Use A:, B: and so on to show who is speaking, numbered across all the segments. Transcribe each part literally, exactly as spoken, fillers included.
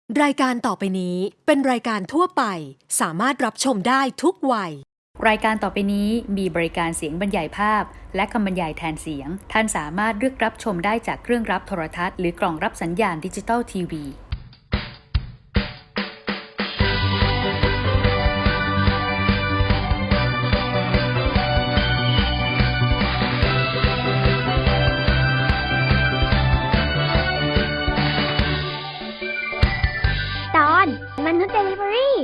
A: รายการต่อไปนี้เป็นรายการทั่วไปสามารถรับชมได้ทุกวัย
B: รายการต่อไปนี้มีบริการเสียงบรรยายภาพและคำบรรยายแทนเสียงท่านสามารถเลือกรับชมได้จากเครื่องรับโทรทัศน์หรือกล่องรับสัญญาณดิจิตอลทีวี
C: ตอนมนุษย์เดลิเวอรี่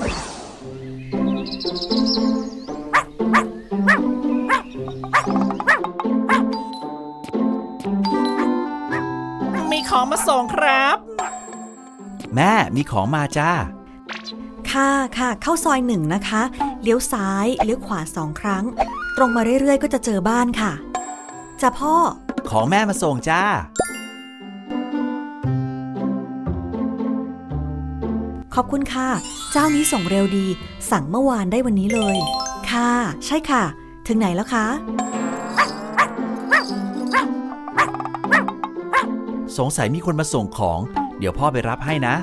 D: มีของมาส่งครับ
E: แม่มีของมาจ้า
F: ค่ะค่ะเข้าซอยหนึ่งนะคะเลี้ยวซ้ายเลี้ยวขวาสองครั้งตรงมาเรื่อยๆก็จะเจอบ้านค่ะจ้ะพ่อ
E: ของแม่มาส่งจ้า
F: ขอบคุณค่ะเจ้านี้ส่งเร็วดีสั่งเมื่อวานได้วันนี้เลยค่ะใช่ค่ะถึงไหนแล้วคะ
E: สงสัยมีคนมาส่งของเดี๋ยวพ่อไปรับให้นะ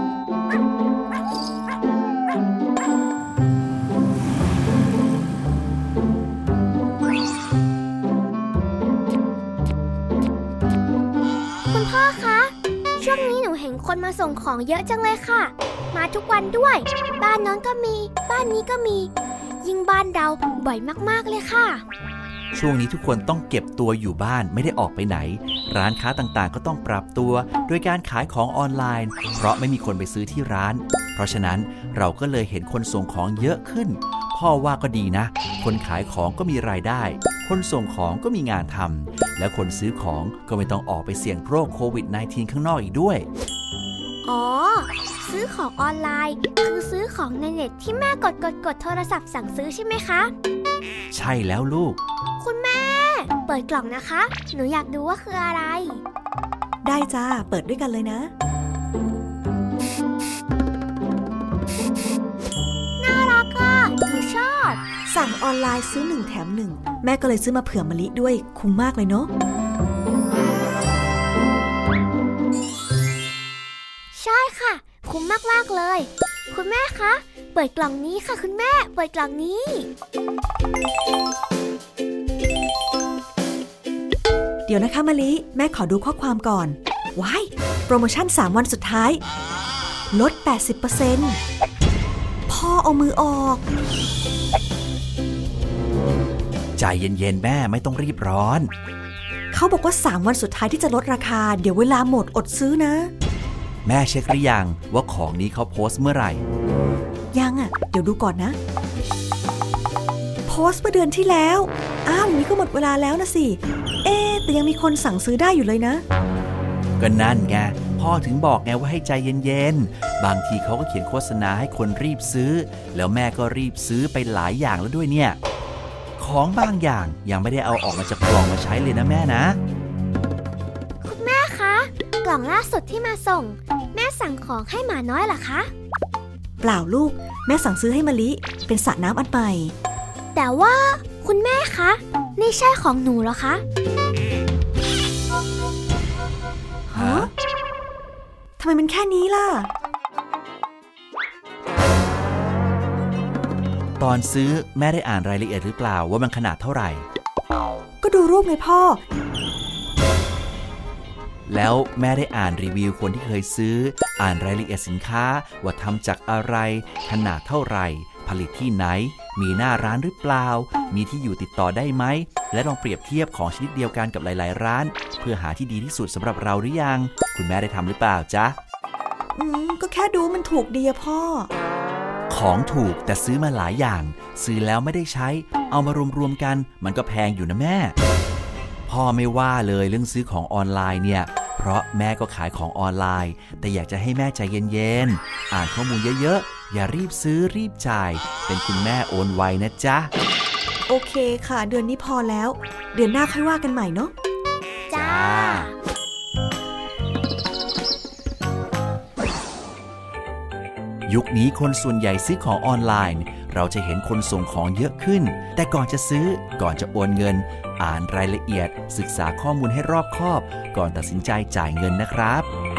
C: คุณพ่อคะช่วงนี้หนูเห็นคนมาส่งของเยอะจังเลยค่ะมาทุกวันด้วยบ้านน้องก็มีบ้านนี้ก็มียิ่งบ้านเราบ่อยมากๆเลยค่ะ
E: ช่วงนี้ทุกคนต้องเก็บตัวอยู่บ้านไม่ได้ออกไปไหนร้านค้าต่างๆก็ต้องปรับตัวโดยการขายของออนไลน์เพราะไม่มีคนไปซื้อที่ร้านเพราะฉะนั้นเราก็เลยเห็นคนส่งของเยอะขึ้นพ่อว่าก็ดีนะคนขายของก็มีรายได้คนส่งของก็มีงานทำและคนซื้อของก็ไม่ต้องออกไปเสี่ยงโรคโควิด สิบเก้า ข้างนอกอีกด้วย
C: อ๋อซื้อของออนไลน์คือซื้อของในเน็ตที่แม่กดกดกดโทรศัพท์สั่งซื้อใช่ไหมคะ
E: ใช่แล้วลูก
C: คุณแม่เปิดกล่องนะคะหนูอยากดูว่าคืออะไร
F: ได้จ้าเปิดด้วยกันเลยนะ
C: น่ารักอ่ะหนูชอบ
F: สั่งออนไลน์ซื้อหนึ่งแถมหนึ่งแม่ก็เลยซื้อมาเผื่อมะลิด้วยคุ้มมากเลยเนาะ
C: ใช่ค่ะคุ้มมากๆเลยคุณแม่คะเปิดกล่องนี้ค่ะคุณแม่เปิดกล่องนี้
F: เดี๋ยวนะคะมะลิแม่ขอดูข้อความก่อนว้ายโปรโมชั่นสามวันสุดท้ายลด แปดสิบเปอร์เซ็นต์ พ่อเอามือออก
E: ใจเย็นๆแม่ไม่ต้องรีบร้อน
F: เขาบอกว่าสามวันสุดท้ายที่จะลดราคาเดี๋ยวเวลาหมดอดซื้อนะ
E: แม่เช็คหรือยังว่าของนี้เขาโพสต์เมื่อไหร่
F: ยังอ่ะเดี๋ยวดูก่อนนะโพสต์เมื่อเดือนที่แล้วอ้าวอย่างนี้ก็หมดเวลาแล้วนะสิเอ๊แต่ยังมีคนสั่งซื้อได้อยู่เลยนะ
E: ก็นั่นไงพ่อถึงบอกไงว่าให้ใจเย็นๆบางทีเขาก็เขียนโฆษณาให้คนรีบซื้อแล้วแม่ก็รีบซื้อไปหลายอย่างแล้วด้วยเนี่ยของบางอย่างยังไม่ได้เอาออกมาจากกล่องมาใช้เลยนะแม่นะ
C: คุณแม่คะกล่องล่าสุดที่มาส่งแม่สั่งของให้หมาน้อยเหรอคะ
F: เปล่าลูกแม่สั่งซื้อให้มะลิเป็นสระน้ำอันใหม่
C: แต่ว่าคุณแม่คะนี่ใช่ของหนูเหรอคะ
F: ฮะทำไมมันแค่นี้ล่ะ
E: ตอนซื้อแม่ได้อ่านรายละเอียดหรือเปล่าว่ามันขนาดเท่าไหร่
F: ก็ดูรูปไงพ่อ
E: แล้วแม่ได้อ่านรีวิวคนที่เคยซื้ออ่านรายละเอียดสินค้าว่าทำจากอะไรขนาดเท่าไหร่ผลิตที่ไหนมีหน้าร้านหรือเปล่ามีที่อยู่ติดต่อได้ไหมและลองเปรียบเทียบของชนิดเดียวกันกับหลายๆร้านเพื่อหาที่ดีที่สุดสำหรับเราหรือยังคุณแม่ได้ทำหรือเปล่าจ๊ะ
F: อืมก็แค่ดูมันถูกดีอะพ่อ
E: ของถูกแต่ซื้อมาหลายอย่างซื้อแล้วไม่ได้ใช้เอามารวมๆกันมันก็แพงอยู่นะแม่พ่อไม่ว่าเลยเรื่องซื้อของออนไลน์เนี่ยเพราะแม่ก็ขายของออนไลน์แต่อยากจะให้แม่ใจเย็นๆอ่านข้อมูลเยอะๆอย่ารีบซื้อรีบจ่ายเป็นคุณแม่โอนไวนะจ๊ะ
F: โอเคค่ะเดือนนี้พอแล้วเดือนหน้าค่อยว่ากันใหม่เนาะ
C: จ้า
E: ยุคนี้คนส่วนใหญ่ซื้อของออนไลน์เราจะเห็นคนส่งของเยอะขึ้นแต่ก่อนจะซื้อก่อนจะโอนเงินอ่านรายละเอียดศึกษาข้อมูลให้รอบคอบก่อนตัดสินใจจ่ายเงินนะครับ